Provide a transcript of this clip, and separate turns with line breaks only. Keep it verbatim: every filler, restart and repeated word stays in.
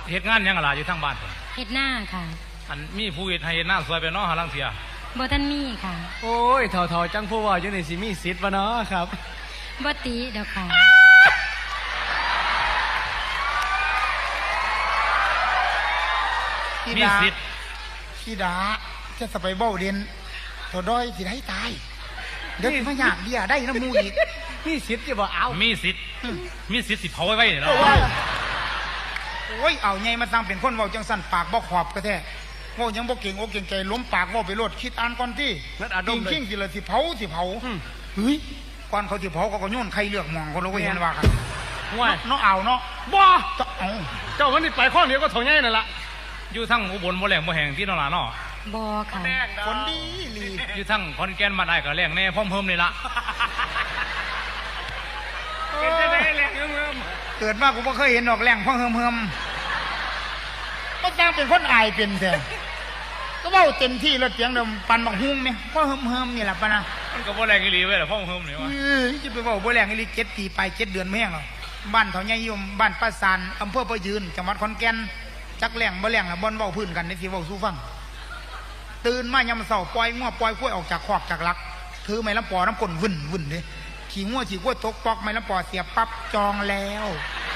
เหตุงานยังอะไรอยู่ทั้งบ้านผม
เฮ็ดหน้าค่ะ
อันมีผู้เฮ็ดให้หน้าสวยไปเนาะหาลังเสีย
บ่ทันมีค่ะ
โอ้ยเถ่าๆจังผู้ว่าอยู่ในสิมีสิทธิ์วะเนาะครับ
บ่ติเด้อค่ะ
มีสิทธิ์
พี่ดาจะสไปเบ้าเด่นตัวด้อยสิได้ตายเดี๋ยวมาอยากเดียได้น้ำมูอีก
มีสิทธิ์จะบ่เอา
มีสิทธิ์มีสิทธิ์สิเผาไว้ไว้เนี่ยเนาะ
โอ้ยเอาไงมาตั้งเป็นคนเว้าจังสั่นปากบ่ขอบก็แท้เว้ายังบ่เก่งอกเก่งใจล้มปากเว้าไปโลดคิดอ่านก่อนที่จริงจริงสิเลยสิเผาสิเผาเฮ้ยก่อนเขาสิเผาเขาก็โยนใครเลือกมองเขาเราก็เห็นว่ากัน
ว่า
เนาะเอาเนาะ
บ่
เจ้าเอา
เจ้าคนนี้ไปข้อเดียวก็เท่าไงนั่นละ
อยู่ทั้งอุบลบ่แรงบ่แห้งที่นราเนาะ
บ่ค่ะ
คนดีลี
อยู่ทั้งขอนแก่นบ้านอ้ายก็แรงแน่พร้อมเพิ่มนี่ละ
เป็นจังได๋แรงเฮิม
ๆเกิดมากูบ่เคยเห็นดอกแรงพ่อเฮิมเฮิมก็ตั้งเป็นคนอายเป็นแท้ก็เว้าเต็มที่แล้วเสียงเดิมปันบักฮุ้งแม่พ่อเฮิมเฮิมนี่ล่ะปะนะ
มันก็บ่แรงอีหลีเว้ยล่ะพร้อมเพิ่มนี่ว่า
เอ้ยจะไปเว้าบ่แรงอีหลีเจ็ดปีไปเจ็ดเดือนแม่งหรอบ้านเฒ่าใหญ่ยมบ้านป้าซานอำเภอประยืนจังหวัดขอนแก่นจักแรงบ่แรงล่ะบ่นเว้าพื้นกันในสิเว้าสู่ฟังตื่นมายามเช้าปล่อยงัวปล่อยกล้วยออกจากคอกจากลักถือไม้ลำปอน้ำก้นวุ่นวุ่นเด้ขี่งัวขี่กล้วยตกปอกไม้ลำปอเสียบปั๊บจองแล้ว